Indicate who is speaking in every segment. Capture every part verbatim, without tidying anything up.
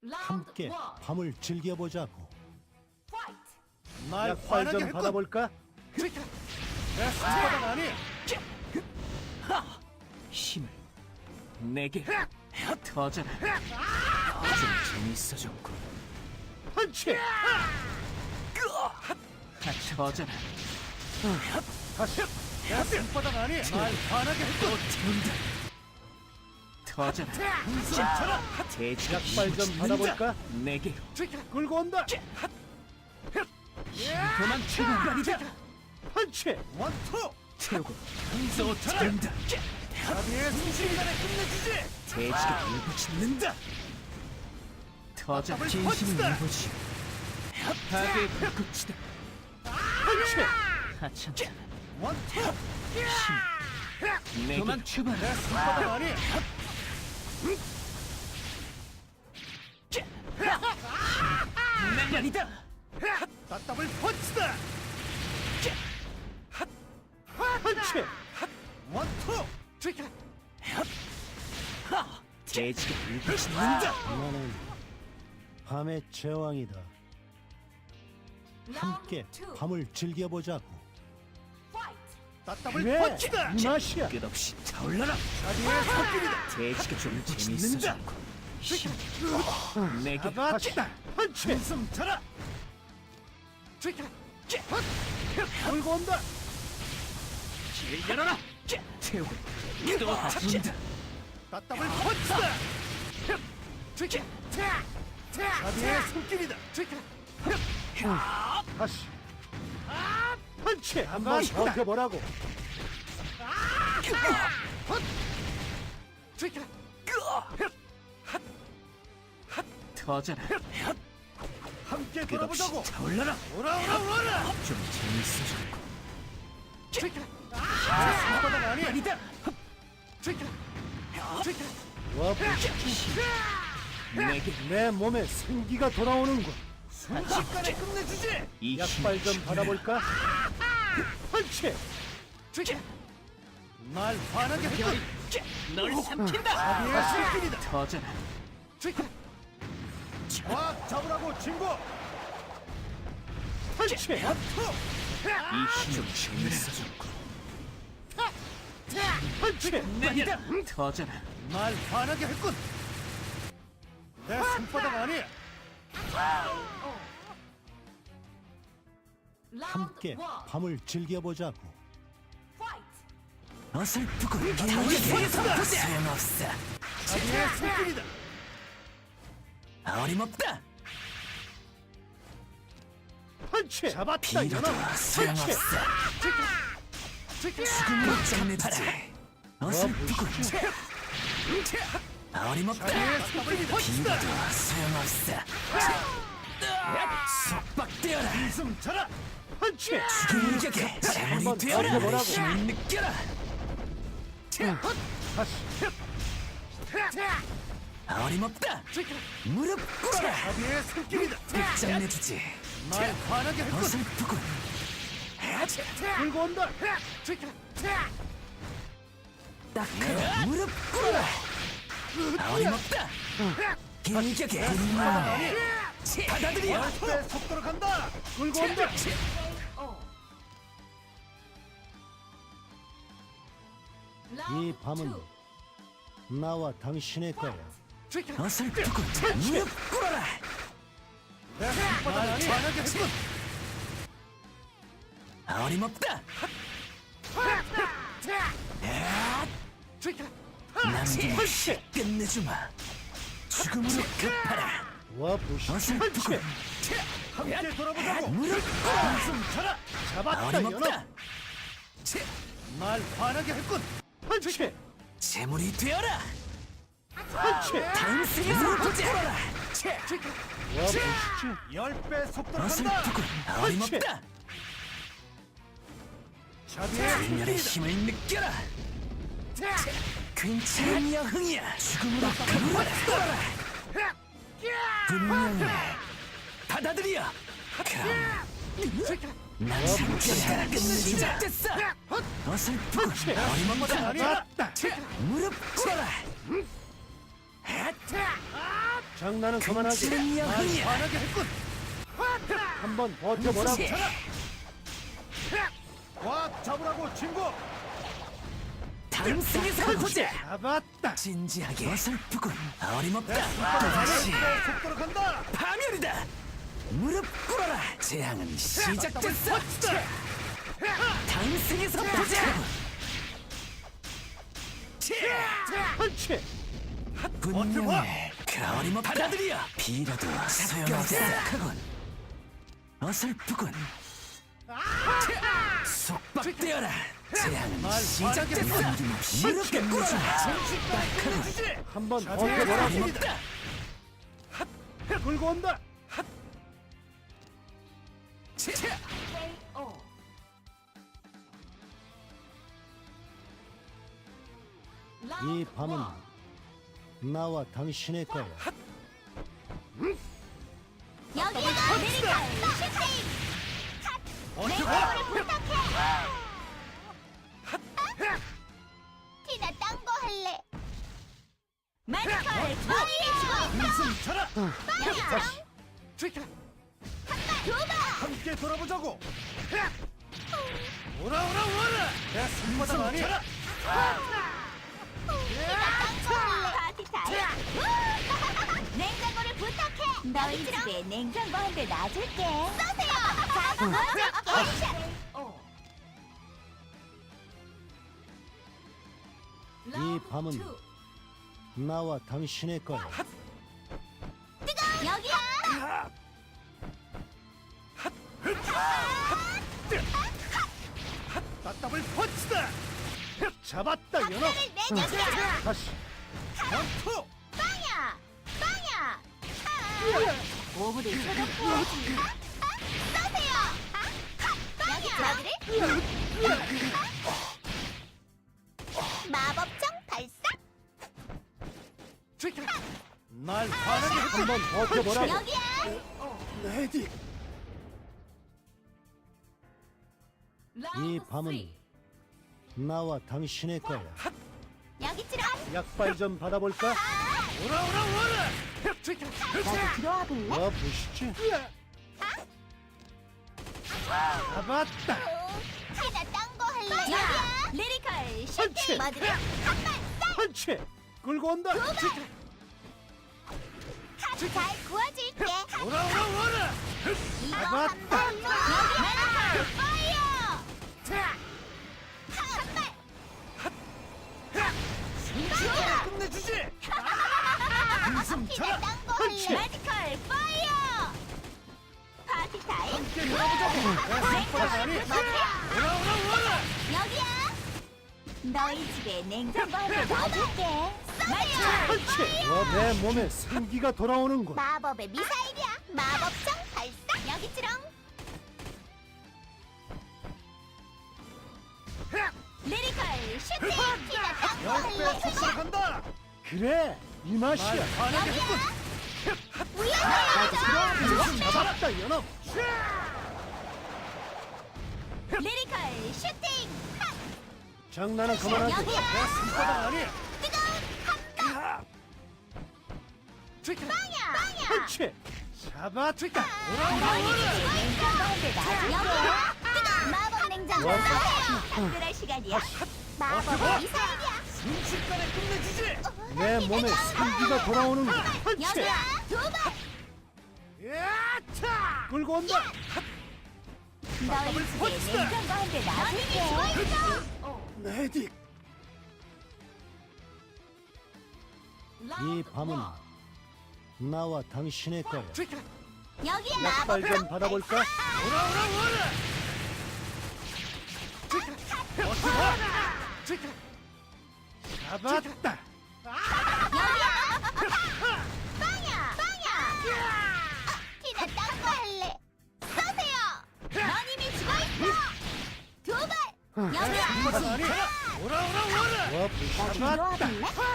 Speaker 1: 함께 밤을 즐겨보자고.
Speaker 2: 날
Speaker 1: 약발
Speaker 2: 화나게
Speaker 1: 좀
Speaker 2: 했군.
Speaker 1: 받아볼까?
Speaker 2: 내 손바닥 아니.
Speaker 3: 힘을 내게 터져라. 좀 재밌어졌고.
Speaker 1: 펀치!
Speaker 3: 터져라.
Speaker 1: 다시!
Speaker 2: 내 손바닥 아니. 날 화나게 했군.
Speaker 3: 태운다. 터져라.
Speaker 2: 숨차라.
Speaker 3: 돼지가
Speaker 1: 약발 좀 받아볼까?
Speaker 3: 내게
Speaker 1: 끌고 온다!
Speaker 3: 그만 출발이다.
Speaker 1: 펀치!
Speaker 2: 원투.
Speaker 3: 태우고 또 태운다.
Speaker 2: 자비의 숨쉬기간에 끝내주지.
Speaker 3: 돼지가 일부 짓는다. 터져 진심을
Speaker 2: 펀치다.
Speaker 3: 일부지. 파괴의 불꽃이다.
Speaker 1: 펀치!
Speaker 3: 하찮다.
Speaker 2: 원투.
Speaker 3: 내게 그만 출발.
Speaker 2: 내 손바닥 아니.
Speaker 3: 날려리다.
Speaker 2: 따따블 펀치다.
Speaker 1: 펀치!
Speaker 2: 원투.
Speaker 3: 돼지가 일부 짓는다.
Speaker 1: 나는 밤의 제왕이다. 함께 밤을 즐겨보자고.
Speaker 2: 따따블
Speaker 1: 그래!
Speaker 2: 펀치다.
Speaker 1: 이 맛이야!
Speaker 3: 끝없이 타올라라.
Speaker 2: 자비의 손길이다.
Speaker 3: 돼지가 좀 재밌어졌고. 힘 내게
Speaker 2: 잡았다.
Speaker 1: 펀치!
Speaker 2: 숨 차라.
Speaker 1: 끌고 온다!
Speaker 3: 길 열어라. 태우고 또 다룬다.
Speaker 2: 따따블 펀치다. 자비의 손길이다.
Speaker 1: 다시! 펀치! 한번 버텨보라고!
Speaker 3: 터져라.
Speaker 2: 함께
Speaker 3: 끝없이
Speaker 2: 돌아보자고.
Speaker 3: 타올라라.
Speaker 2: 오라 오라 오라.
Speaker 3: 좀 재밌어졌고.
Speaker 2: 내 손바닥 아니.
Speaker 3: 아니다.
Speaker 1: 와, 보시지.
Speaker 3: 내게
Speaker 1: 내 몸에 생기가 돌아오는군.
Speaker 2: 순식간에 끝내주지.
Speaker 3: 이
Speaker 1: 약발 좀
Speaker 3: 힘을
Speaker 1: 받아볼까? 펀치!
Speaker 2: 날 화나게 했군.
Speaker 3: 널 삼킨다.
Speaker 2: 자비의 손길이다.
Speaker 3: 터져라.
Speaker 2: 꽉 잡으라고 친구.
Speaker 1: 펀치!
Speaker 2: 원투.
Speaker 3: 이 힘을 재밌어졌고.
Speaker 1: 펀치!
Speaker 3: 내리다. 터져라.
Speaker 2: 날 화나게 했군. 내 손바닥 아니.
Speaker 1: 함께 밤을 즐겨보자고.
Speaker 3: 어설프고
Speaker 2: 펀치다.
Speaker 3: 소용없어.
Speaker 2: 자비의 손길이다.
Speaker 3: 어림없다.
Speaker 1: 펀치! 잡았다,
Speaker 3: 비로도
Speaker 1: 이놈! 펀치!
Speaker 3: 소용없어. 죽음을 장내주지. 어설프고 어림없다.
Speaker 2: 자비의 손길이다.
Speaker 3: 비로도 소용없어. 속박되어라.
Speaker 2: 숨 차라.
Speaker 1: 펀치!
Speaker 3: 공격에 재물이
Speaker 1: 한번
Speaker 3: 되어라.
Speaker 1: 버텨보라고.
Speaker 3: 힘을 느껴라.
Speaker 1: 다시!
Speaker 3: 어림없다. 무릎 꿇어라.
Speaker 2: 자비의 손길이다.
Speaker 3: 끝장내주지.
Speaker 2: 날 화나게 했군.
Speaker 3: 어설프군.
Speaker 1: 끌고 온다!
Speaker 3: 딱하고 무릎 꿇어라. 어림없다. 공격에 분노해. 받아들여.
Speaker 2: 내 속도로 간다.
Speaker 1: 끌고 온다! 이 밤은 나와 당신의 거야.
Speaker 3: 어설프군. 무릎 꿇어라.
Speaker 2: 내 손바닥 아니. 화나게 했군.
Speaker 3: 어림없다. 남김없이 끝내주마. 죽음으로 급하라.
Speaker 1: 와, 보시지.
Speaker 3: 어설프군.
Speaker 2: 함께 돌아보자고.
Speaker 3: 무릎 꿇어라.
Speaker 2: 숨 차라.
Speaker 1: 잡았다,
Speaker 3: 어림없다.
Speaker 1: 이놈!
Speaker 2: 날 화나게 했군.
Speaker 1: 펀치!
Speaker 3: 재물이 되어라.
Speaker 1: 펀치!
Speaker 3: 다음 승에서 보자.
Speaker 1: 와, 보시지.
Speaker 2: 열 배 속도로 간다.
Speaker 3: 어설프군. 어림없다.
Speaker 2: 자비의
Speaker 3: 불멸의
Speaker 2: 손길이다.
Speaker 3: 힘을 느껴라. 괜찮은 여흥이야. 죽음으로 급하라. 분명해. 받아들여. 그럼 난 상처가 끝내주자. 됐어. 어설프군. 어림없다.
Speaker 2: 아니야.
Speaker 3: 무릎 꿇어라.
Speaker 1: 장난은 그만하지.
Speaker 3: 금지는
Speaker 2: 날
Speaker 3: 영웅이야.
Speaker 2: 화나게 했군.
Speaker 1: 한번 버텨보라고.
Speaker 3: 치.
Speaker 2: 꽉 잡으라고 친구.
Speaker 3: 당승에서 보자.
Speaker 2: 잡았다.
Speaker 3: 진지하게 어설프군. 어림없다.
Speaker 2: 열
Speaker 3: 다시
Speaker 2: 배 속도로 간다.
Speaker 3: 파멸이다. 무릎 꿇어라. 재앙은 시작됐어. 당승에서 보자.
Speaker 1: 펀치.
Speaker 3: 분명해. 그 어림없다. 받아들여. 빌어도 소용없어. 생각하군. 어설프군. 속박되어라. 재앙은
Speaker 2: 날
Speaker 3: 시작됐어.
Speaker 2: 화나게
Speaker 3: 무릎 꿇어라.
Speaker 2: 순식간에 끝내주지.
Speaker 1: 한번
Speaker 2: 자,
Speaker 1: 버텨보라고.
Speaker 3: 어림없다.
Speaker 1: 끌고 온다. 이 밤은 나와 당신의 거야.
Speaker 4: 여기가 아메리카 슈팅!
Speaker 2: 버텨봐.
Speaker 4: 부탁해! 티나 딴 거 할래. 마지컬 파이어!
Speaker 2: 무슨 쳐라.
Speaker 1: 다시.
Speaker 4: 두번!
Speaker 2: 함께 돌아보자고. 오라 오라 오라. 내 손바닥 아니.
Speaker 4: 티나 딴거 할래. 파티 타임! 냉장고를 부탁해! 너희 집에 냉장고 한 대 놔줄게. 쏘세요! 자, 놔줄게!
Speaker 1: 이 밤은 나와 당신의 거야.
Speaker 4: 여기야!
Speaker 2: 따따블 펀치다. 잡았다 연어.
Speaker 4: 박수를 내줄게!
Speaker 1: 다시.
Speaker 2: 원투.
Speaker 4: 빵야! 빵야! 아! 오브를 쳐놓고 쏘세요! 빵야! 여기를 마법정 발사!
Speaker 2: 날 화나게 했군.
Speaker 1: 한번 버텨보라고.
Speaker 4: 여기야!
Speaker 1: 레디. 이 밤은 나와 당신의 거야.
Speaker 4: 여기 치라!
Speaker 1: 약발 좀 받아볼까?
Speaker 2: 오라 오라 오라.
Speaker 4: 나도 들어와 볼래?
Speaker 1: 와 보시지.
Speaker 2: 잡았다.
Speaker 4: 티나 딴 거 할래? 여기야! 리리컬
Speaker 1: 펀치.
Speaker 4: 슈팅! 머드를 한발 싹!
Speaker 1: 펀치. 끌고 온다.
Speaker 4: 잘 구워줄게!
Speaker 2: 오라 오라 오라.
Speaker 4: 이거
Speaker 2: 잡았다.
Speaker 4: 한발 여기! 파이어! 한발!
Speaker 2: 순식간에 끝내주지. 무슨
Speaker 4: 티나
Speaker 2: 쳐라.
Speaker 4: 딴 거
Speaker 1: 펀치.
Speaker 4: 할래? 마지컬 파이어! 파티 타임!
Speaker 2: 함께 돌아보자고. 내 손바닥 아니. 오라 오라 오라.
Speaker 4: 여기야! 너희 집에 냉장고 한 대 놔줄게! 쏘세요!
Speaker 1: 펀치. 와, 내 몸에 생기가 돌아오는군.
Speaker 4: 마법의 미사일이야! 마법정 발사! 여기 치렁! 리리컬 슈팅! 티나 딴거
Speaker 2: 열 배
Speaker 4: 할래?
Speaker 2: 속도로 간다.
Speaker 1: 그래, 이 맛이야.
Speaker 2: 날 화나게 했군.
Speaker 4: 위험해!
Speaker 1: 잡았다, 연어.
Speaker 4: 리리컬 슈팅!
Speaker 1: 장난은 그만하지.
Speaker 4: 여기야!
Speaker 2: 내 손바닥 아니.
Speaker 4: 뜨거운 빵야! 빵야!
Speaker 1: 펀치.
Speaker 2: 잡았다. 오라 오라
Speaker 4: 너희
Speaker 2: 오라.
Speaker 4: 집에 냉장고 한 대 놔줄게! 여기야! 뜨거운 마법 냉장고
Speaker 1: 와.
Speaker 4: 쏘세요! 작별할 시간이야! 마법의 미사일이야!
Speaker 2: 순식간에 끝내주지.
Speaker 1: 내 몸에 생기가 돌아오는군. 펀치.
Speaker 4: 여기야! 두 번!
Speaker 2: 야차.
Speaker 1: 끌고 온다.
Speaker 4: 너희 집에 냉장고 한 대 놔줄게!
Speaker 1: 레디. 이 밤은 나와 당신의 거야.
Speaker 4: 여기야!
Speaker 1: 약발 좀 받아볼까?
Speaker 2: 오라 오라 오라. 버텨봐. 잡았다.
Speaker 4: 여기야! 빵야! 빵야! 티나 딴 거 할래! 쏘세요! 넌 이미 죽어있어! 두 발! 여기야!
Speaker 2: 손바닥 아니. 오라 오라 오라.
Speaker 1: 와 보시지.
Speaker 4: 들어와볼래?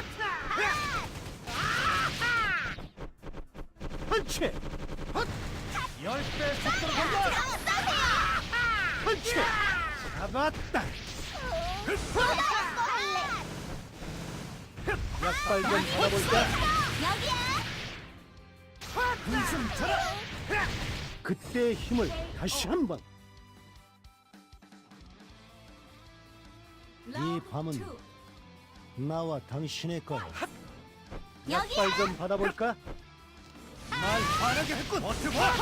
Speaker 1: 펀치.
Speaker 2: 열 배 속도로 간다.
Speaker 4: 쏘세요!
Speaker 1: 펀치.
Speaker 2: 잡았다.
Speaker 4: 딴거 할래!
Speaker 1: 약발 좀 받아볼까?
Speaker 4: 여기야!
Speaker 2: 한숨 쳐라.
Speaker 1: 그때의 힘을 다시 한번. 이 밤은 나와 당신의 거야.
Speaker 4: 여기야.
Speaker 1: 약발 좀 받아볼까?
Speaker 2: 날 화나게 했군. 버텨봐.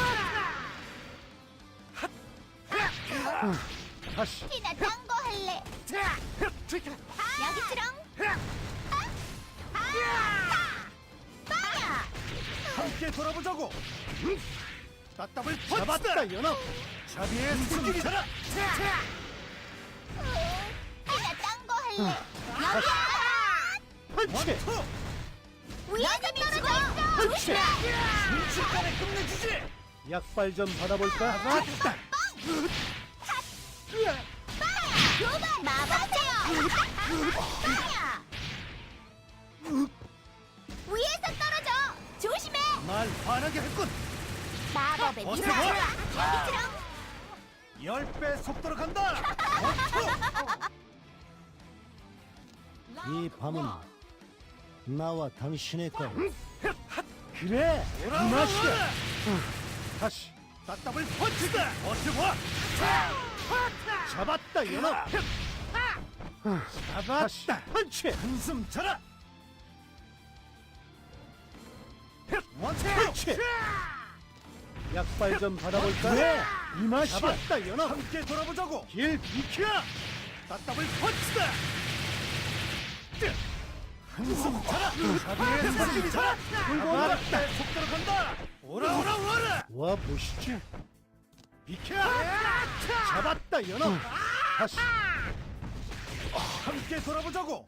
Speaker 1: 다시.
Speaker 4: 티나 딴거 할래. 여기처럼. 빵야.
Speaker 2: 함께 돌아보자고. 따따블
Speaker 1: 잡았다,
Speaker 2: 펀치다.
Speaker 1: 연어.
Speaker 2: 자비의 숨길 쳐라.
Speaker 4: 티나 딴거 할래. 여기야.
Speaker 1: 펀치.
Speaker 2: 원투.
Speaker 4: 위에서 떨어져.
Speaker 1: 펀치.
Speaker 2: 순식간에 끝내주지.
Speaker 1: 약발 좀 받아볼까?
Speaker 2: 맞다.
Speaker 4: 두번 마법제요. 빵야. 위에서 떨어져. 조심해.
Speaker 2: 날 화나게 했군.
Speaker 4: 마법의
Speaker 2: 어서
Speaker 4: 미라.
Speaker 2: 와.
Speaker 4: 여기처럼.
Speaker 2: 열 배 속도로 간다. 원투.
Speaker 1: 이 밤은 나와 당신의 거야. 그래, 이
Speaker 2: 돌아오라.
Speaker 1: 맛이야. 다시.
Speaker 2: 따따블 펀치다. 버텨봐.
Speaker 1: 잡았다, 연어. 다시. 펀치.
Speaker 2: 한숨 쳐라. 원투.
Speaker 1: 펀치. 약발 좀 받아볼까? 그래, 이 맛이야. 잡았다, 연어.
Speaker 2: 함께 돌아보자고.
Speaker 1: 길 비켜.
Speaker 2: 따따블 펀치다. 한숨 쳐라. 자비의 숨길 쳐라.
Speaker 1: 들고 온다.
Speaker 2: 속도로 간다. 오라 오라 오라.
Speaker 1: 와 보시지.
Speaker 2: 비켜.
Speaker 1: 잡았다, 연어. 다시.
Speaker 2: 함께 돌아보자고.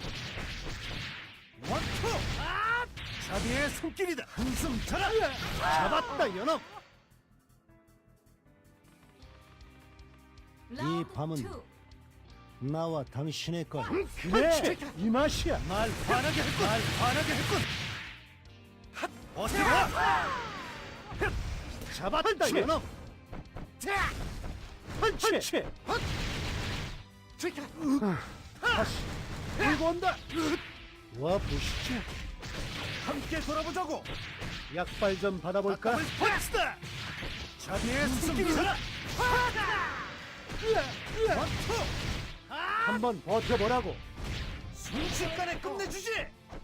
Speaker 2: 원투. 자비의 손길이다. 한숨 쳐라.
Speaker 1: 잡았다, 연어. 이 밤은 나와 당신의 거야. 그래, 이 맛이야.
Speaker 2: 날 화나게 했군. 날 화나게 했군. 핫. 버텨봐.
Speaker 1: 잡았다, 연어. 펀치. 다시. 들고 온다. 와 보시지.
Speaker 2: 함께 돌아보자고.
Speaker 1: 약발 좀 받아볼까?
Speaker 2: 따따블 펀치다. 자비의 손길이 쳐라. 원투.
Speaker 1: 한번 버텨보라고.
Speaker 2: 순식간에 끝내주지.